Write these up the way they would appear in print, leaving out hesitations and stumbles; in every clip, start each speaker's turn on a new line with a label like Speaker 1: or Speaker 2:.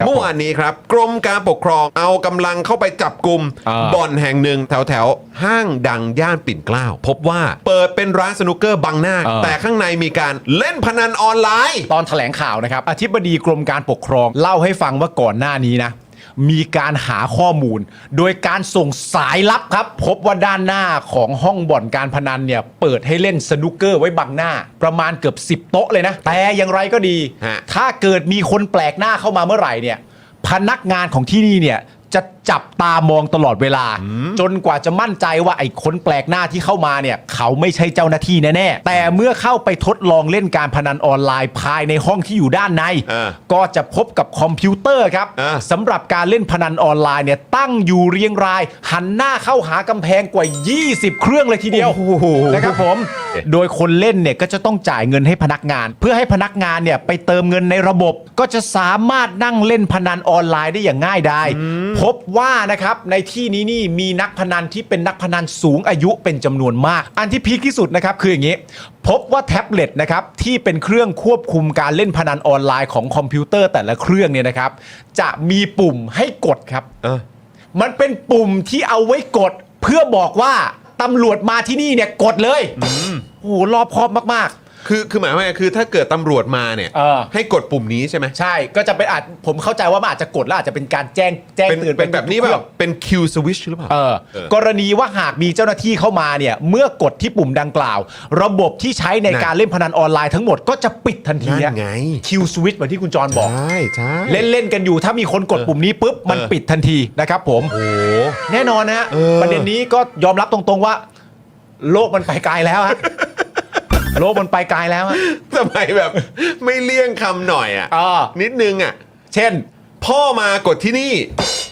Speaker 1: เมื่อวานนี้ครับกรมการปกครองเอากำลังเข้าไปจับกลุ่มบ่อนแห่งหนึ่งแถวห้างดังย่านปิ่นเกล้าพบว่าเปิดเป็นร้านสนุกเกอร์บังหน้าแต่ข้างในมีการเล่นพนันออนไลน์
Speaker 2: ตอนแถลงข่าวนะครับอธิบดีกรมการปกครองเล่าให้ฟังว่าก่อนหน้านี้นะมีการหาข้อมูลโดยการส่งสายลับครับพบว่าด้านหน้าของห้องบ่อนการพนันเนี่ยเปิดให้เล่นสนุกเกอร์ไว้บังหน้าประมาณเกือบ10โต๊ะเลยนะแต่อย่างไรก็ดีถ้าเกิดมีคนแปลกหน้าเข้ามาเมื่อไหร่เนี่ยพนักงานของที่นี่เนี่ยจะจับตามองตลอดเวลาจนกว่าจะมั่นใจว่าไอ้คนแปลกหน้าที่เข้ามาเนี่ยเขาไม่ใช่เจ้าหน้าที่แน่ๆแต่เมื่อเข้าไปทดลองเล่นการพนันออนไลน์ภายในห้องที่อยู่ด้านในก็จะพบกับคอมพิวเตอร์ครับสำหรับการเล่นพนันออนไลน์เนี่ยตั้งอยู่เรียงรายหันหน้าเข้าหากำแพงกว่า20เครื่องเลยทีเดียวนะครับผมโดยคนเล่นเนี่ยก็จะต้องจ่ายเงินให้พนักงานเพื่อให้พนักงานเนี่ยไปเติมเงินในระบบก็จะสามารถนั่งเล่นพนันออนไลน์ได้อย่างง่ายดายพบว่านะครับในที่นี้นี่มีนักพนันที่เป็นนักพนันสูงอายุเป็นจำนวนมากอันที่พีคที่สุดนะครับคืออย่างนี้พบว่าแท็บเล็ตนะครับที่เป็นเครื่องควบคุมการเล่นพนันออนไลน์ของคอมพิวเตอร์แต่ละเครื่องเนี่ยนะครับจะมีปุ่มให้กดครับมันเป็นปุ่มที่เอาไว้กดเพื่อบอกว่าตำรวจมาที่นี่เนี่ยกดเลยโอ้โหรอบคอบมาก
Speaker 1: คือหมายว่าคือถ้าเกิดตำรวจมาเนี่ยให้กดปุ่มนี้ใช่ไหม
Speaker 2: ใช่ก็จะเป็นผมเข้าใจว่ามันอาจจะกดแล้วอาจจะเป็นการแจ้งเตือน
Speaker 1: เป็นแบบนี้แบบเป็นคิวสวิชหรือเปล่าก
Speaker 2: รณีว่าหากมีเจ้าหน้าที่เข้ามาเนี่ยเมื่อกดที่ปุ่มดังกล่าวระบบที่ใช้ในการเล่นพนันออนไลน์ทั้งหมดก็จะปิดทันที
Speaker 1: ไง
Speaker 2: คิวสวิชเหมือนที่คุณจรบอก
Speaker 1: ใช่
Speaker 2: เล่นกันอยู่ถ้ามีคนกดปุ่มนี้ปุ๊บมันปิดทันทีนะครับผม
Speaker 1: โอ้
Speaker 2: แน่นอนนะฮะประเด็นนี้ก็ยอมรับตรงๆว่าโลกมันไปไกลแล้วฮะโลกมันไปไกลแล้วอะ
Speaker 1: ทำไมแบบไม่เลี่ยงคำหน่อยอ่ะนิดนึงอ่ะ
Speaker 2: เช่น
Speaker 1: พ่อมากดที่นี่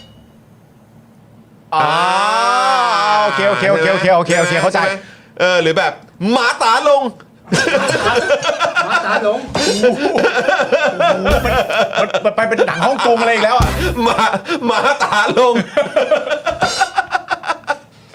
Speaker 2: โอเคเข้าใจ
Speaker 1: หรือแบบหมาตาลง
Speaker 3: มาตาหลง
Speaker 2: มันไปเป็นหนังฮ่องกงอะไรอีกแล้วอ่ะ
Speaker 1: หมาตาลง